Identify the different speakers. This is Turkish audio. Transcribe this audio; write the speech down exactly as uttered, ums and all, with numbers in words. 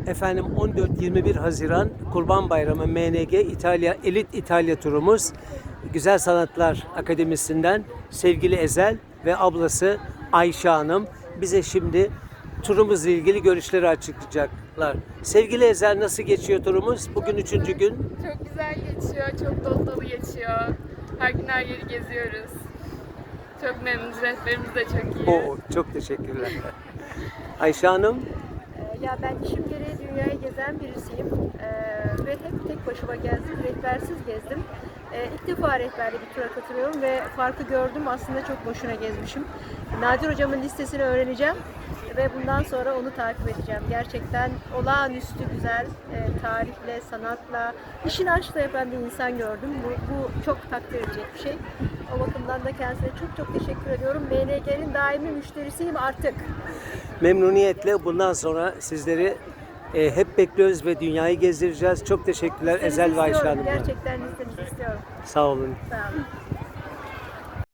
Speaker 1: Efendim on dört yirmi bir Haziran Kurban Bayramı M N G İtalya Elit İtalya turumuz. Güzel Sanatlar Akademisi'nden sevgili Ezel ve ablası Ayşe Hanım bize şimdi turumuzla ilgili görüşleri açıklayacaklar. Sevgili Ezel, nasıl geçiyor turumuz? Bugün üçüncü gün.
Speaker 2: Çok güzel geçiyor, çok dolu dolu geçiyor. Her gün her yeri geziyoruz. Çok memnunuz, rehberimiz de çok iyi.
Speaker 1: Oo, çok teşekkürler. Ayşe Hanım.
Speaker 3: Ya ben işim gereği dünyayı gezen birisiyim ee, ve hep tek başıma gezdim, rehbersiz gezdim. Ee, ilk defa rehberli bir tura katılıyorum ve farkı gördüm, aslında çok boşuna gezmişim. Nadir hocamın listesini öğreneceğim ve bundan sonra onu takip edeceğim. Gerçekten olağanüstü güzel, e, tarihle, sanatla, işin aşkla yapan bir insan gördüm. Bu, bu çok takdir edecek bir şey. O bakımdan da kendisine çok çok teşekkür ediyorum. M N G'nin daimi müşterisiyim artık.
Speaker 1: Memnuniyetle bundan sonra sizleri e, hep bekliyoruz ve dünyayı gezdireceğiz. Çok teşekkürler
Speaker 3: Listenizi
Speaker 1: Ezel ve Ayşe
Speaker 3: istiyorum,
Speaker 1: Hanım.
Speaker 3: gerçekten listenizi istiyorum.
Speaker 1: Sağ olun.
Speaker 3: Sağ olun.